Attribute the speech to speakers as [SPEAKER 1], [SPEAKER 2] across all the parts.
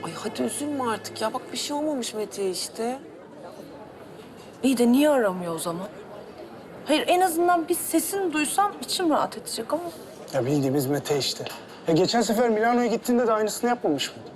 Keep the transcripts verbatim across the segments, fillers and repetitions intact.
[SPEAKER 1] Ay hadi üzülme artık ya. Bak bir şey olmamış Mete'ye işte.
[SPEAKER 2] İyi de niye aramıyor o zaman? Hayır, en azından bir sesini duysam içim rahat edecek ama...
[SPEAKER 3] Ya bildiğimiz Mete işte. Ya geçen sefer Milano'ya gittiğinde de aynısını yapmamış mıydı?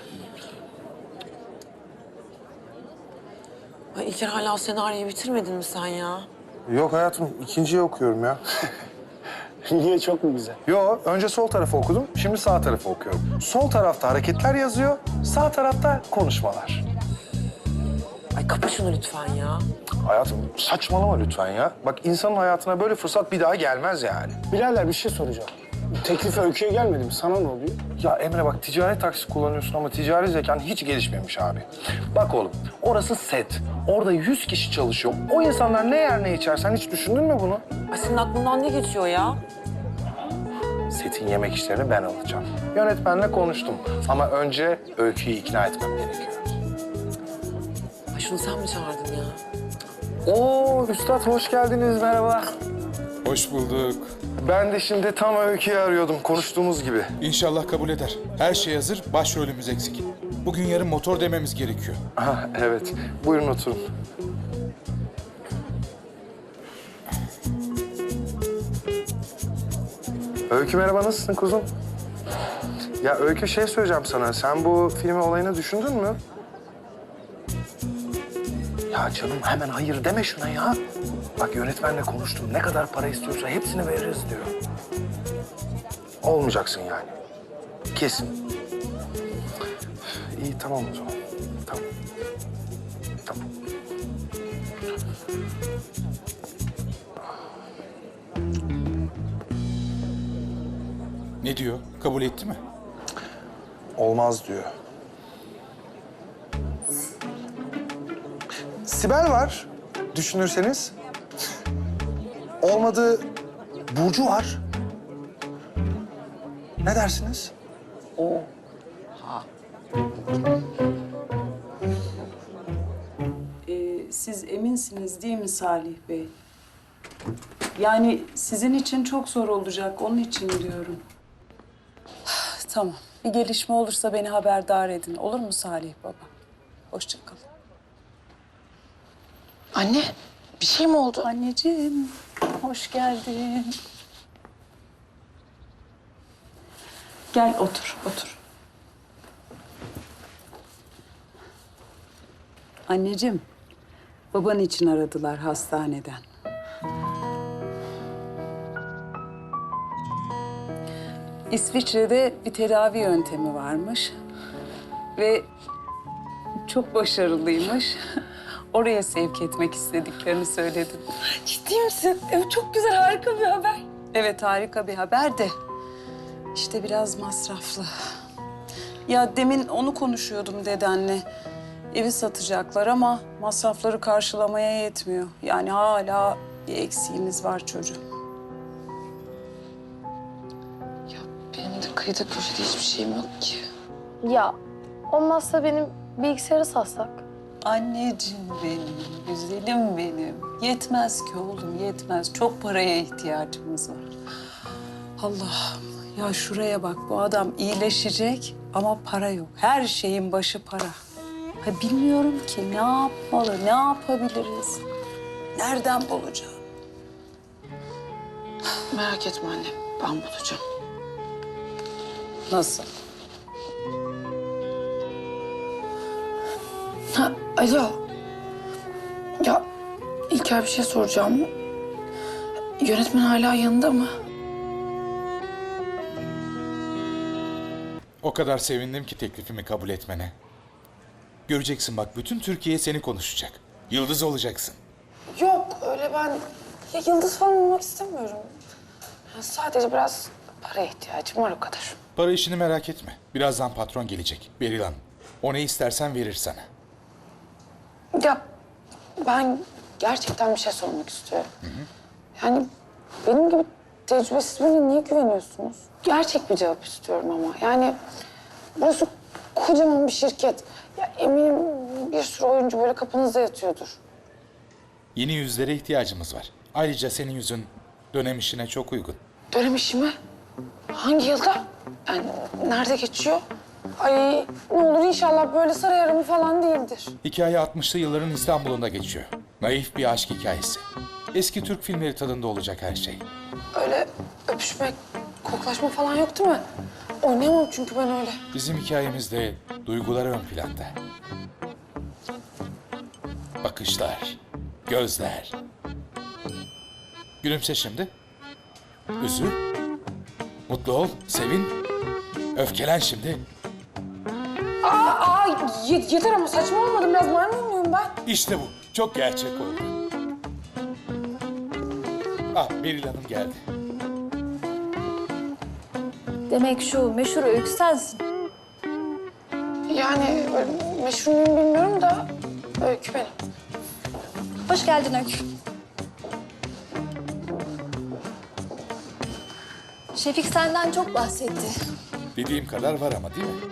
[SPEAKER 1] Ay İlker hala o senaryoyu bitirmedin mi sen ya?
[SPEAKER 4] Yok hayatım, ikinciyi okuyorum ya.
[SPEAKER 3] Niye, çok mu güzel?
[SPEAKER 4] Yo, önce sol tarafı okudum, şimdi sağ tarafı okuyorum. Sol tarafta hareketler yazıyor, sağ tarafta konuşmalar.
[SPEAKER 1] Ay kapa şunu lütfen ya.
[SPEAKER 4] Hayatım saçmalama lütfen ya. Bak insanın hayatına böyle fırsat bir daha gelmez yani.
[SPEAKER 3] Birader bir şey soracağım. Teklifi Öykü'ye gelmedi mi? Sana ne oluyor?
[SPEAKER 4] Ya Emre bak ticari taksi kullanıyorsun ama ticari zekan hiç gelişmemiş abi. Bak oğlum orası set. Orada yüz kişi çalışıyor. O insanlar ne yer ne içer sen hiç düşündün mü bunu?
[SPEAKER 1] Ay senin aklından ne geçiyor ya?
[SPEAKER 4] Setin yemek işlerini ben alacağım. Yönetmenle konuştum ama önce Öykü'yü ikna etmem gerekiyor.
[SPEAKER 1] Ay şunu sen mi çağırdın ya?
[SPEAKER 4] Oo üstad hoş geldiniz merhaba.
[SPEAKER 5] Hoş bulduk.
[SPEAKER 4] Ben de şimdi tam Öykü'yü arıyordum konuştuğumuz gibi.
[SPEAKER 5] İnşallah kabul eder. Her şey hazır, başrolümüz eksik. Bugün yarın motor dememiz gerekiyor.
[SPEAKER 4] Ha evet buyurun oturun. Öykü merhaba nasılsın kuzum? Ya Öykü şey söyleyeceğim sana. Sen bu filmi olayını düşündün mü? Ya canım hemen hayır deme şuna ya. Bak yönetmenle konuştum. Ne kadar para istiyorsa hepsini veririz diyor. Olmayacaksın yani. Kesin. İyi tamam o zaman. Tamam. Tamam.
[SPEAKER 5] Ne diyor? Kabul etti mi?
[SPEAKER 4] Olmaz diyor. Sibel var düşünürseniz. Olmadı Burcu var. Ne dersiniz?
[SPEAKER 6] Ee, siz eminsiniz değil mi Salih Bey? Yani sizin için çok zor olacak, onun için diyorum. Tamam, bir gelişme olursa beni haberdar edin. Olur mu Salih Baba? Hoşça kalın.
[SPEAKER 2] Anne, bir şey mi oldu?
[SPEAKER 6] Anneciğim, hoş geldin. Gel otur, otur. Anneciğim, baban için aradılar hastaneden. İsviçre'de bir tedavi yöntemi varmış ve çok başarılıymış. Oraya sevk etmek istediklerini söyledim.
[SPEAKER 2] Ciddi misin? Evet, çok güzel, harika bir haber.
[SPEAKER 6] Evet, harika bir haber de işte biraz masraflı. Ya demin onu konuşuyordum dedenle. Evi satacaklar ama masrafları karşılamaya yetmiyor. Yani hala bir eksiğimiz var çocuğum.
[SPEAKER 2] Ya benim de kıyıda köşede hiçbir şeyim yok ki.
[SPEAKER 7] Ya olmazsa benim bilgisayarı satsak.
[SPEAKER 6] Anneciğim benim, güzelim benim. Yetmez ki oğlum, yetmez. Çok paraya ihtiyacımız var. Allah'ım, ya şuraya bak, bu adam iyileşecek ama para yok. Her şeyin başı para. Ha, bilmiyorum ki ne yapmalı, ne yapabiliriz? Nereden bulacağım?
[SPEAKER 2] Merak etme anne, ben bulacağım.
[SPEAKER 6] Nasıl?
[SPEAKER 2] Ha, alo. Ya İlker bir şey soracağım. Yönetmen hala yanında mı?
[SPEAKER 5] O kadar sevindim ki teklifimi kabul etmene. Göreceksin bak bütün Türkiye seni konuşacak. Yıldız olacaksın.
[SPEAKER 8] Yok öyle ben ya yıldız falan olmak istemiyorum. Ya sadece biraz para ihtiyacım var o kadar.
[SPEAKER 5] Para işini merak etme. Birazdan patron gelecek. Beril Hanım. O ne istersen verir sana.
[SPEAKER 8] Ya ben gerçekten bir şey sormak istiyorum. Hı hı. Yani benim gibi tecrübesiz birine niye güveniyorsunuz? Gerçek bir cevap istiyorum ama. Yani burası kocaman bir şirket. Ya eminim bir sürü oyuncu böyle kapınızda yatıyordur.
[SPEAKER 5] Yeni yüzlere ihtiyacımız var. Ayrıca senin yüzün dönem işine çok uygun.
[SPEAKER 8] Dönem işi mi? Hangi yılda? Yani nerede geçiyor? Ay ne olur inşallah böyle saray aramı falan değildir.
[SPEAKER 5] Hikaye altmışlı yılların İstanbul'unda geçiyor. Naif bir aşk hikayesi. Eski Türk filmleri tadında olacak her şey.
[SPEAKER 8] Öyle öpüşmek, koklaşma falan yok değil mi? Oynayamam çünkü ben öyle.
[SPEAKER 5] Bizim hikayemizde duygular ön planda. Bakışlar, gözler. Gülümse şimdi. Üzül. Mutlu ol, sevin. Öfkelen şimdi.
[SPEAKER 8] Aa, aa ye- yeter ama saçma olmadım. Biraz maymun muyum ben?
[SPEAKER 5] İşte bu. Çok gerçek oldu. Ah, Beril Hanım geldi.
[SPEAKER 7] Demek şu meşhur öykü sensin.
[SPEAKER 8] Yani öyle meşhur muyum bilmiyorum da öykü benim.
[SPEAKER 7] Hoş geldin Öykü. Şefik senden çok bahsetti.
[SPEAKER 5] Dediğim kadar var ama değil mi?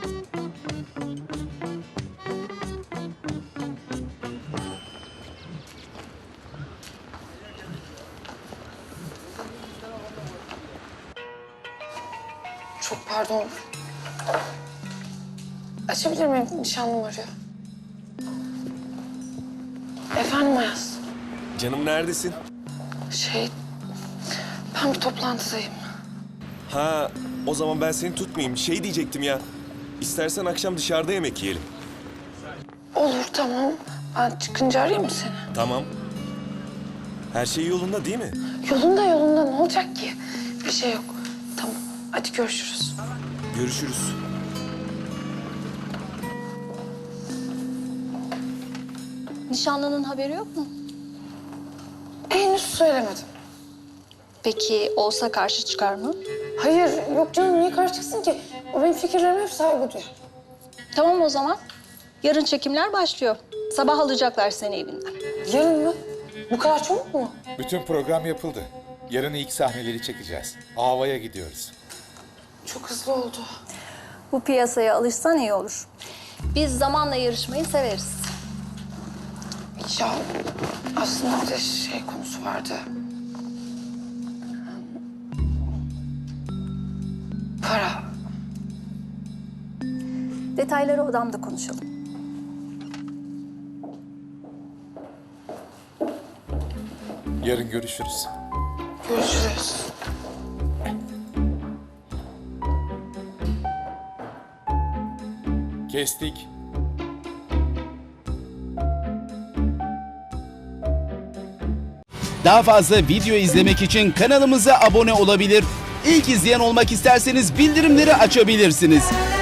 [SPEAKER 8] Çok pardon. Açabilir miyim? Nişanlım arıyor. Efendim Ayaz.
[SPEAKER 9] Canım neredesin?
[SPEAKER 8] Şey, ben bir toplantıdayım.
[SPEAKER 9] Ha, o zaman ben seni tutmayayım. Şey diyecektim ya. İstersen akşam dışarıda yemek yiyelim.
[SPEAKER 8] Olur tamam. Ben çıkınca arayayım mı seni?
[SPEAKER 9] Tamam. Her şey yolunda değil mi?
[SPEAKER 8] Yolunda yolunda ne olacak ki? Bir şey yok. Tamam hadi görüşürüz.
[SPEAKER 9] Görüşürüz.
[SPEAKER 7] Nişanlının haberi yok mu?
[SPEAKER 8] Henüz söylemedim.
[SPEAKER 7] Peki olsa karşı çıkar mı?
[SPEAKER 8] Hayır yok canım niye karşı çıksın ki? O benim fikirlerime hep saygı duyuyor.
[SPEAKER 10] Tamam o zaman. Yarın çekimler başlıyor. Sabah alacaklar seni evinden.
[SPEAKER 8] Yarın mı? Bu kadar çabuk mu?
[SPEAKER 5] Bütün program yapıldı. Yarın ilk sahneleri çekeceğiz. Ava'ya gidiyoruz.
[SPEAKER 8] Çok hızlı oldu.
[SPEAKER 10] Bu piyasaya alışsan iyi olur. Biz zamanla yarışmayı severiz.
[SPEAKER 8] Ya aslında bir de şey konusu vardı. Para.
[SPEAKER 10] Detayları odamda konuşalım.
[SPEAKER 5] Yarın görüşürüz.
[SPEAKER 8] Görüşürüz.
[SPEAKER 5] Kestik.
[SPEAKER 11] Daha fazla video izlemek için kanalımıza abone olabilir. İlk izleyen olmak isterseniz bildirimleri açabilirsiniz.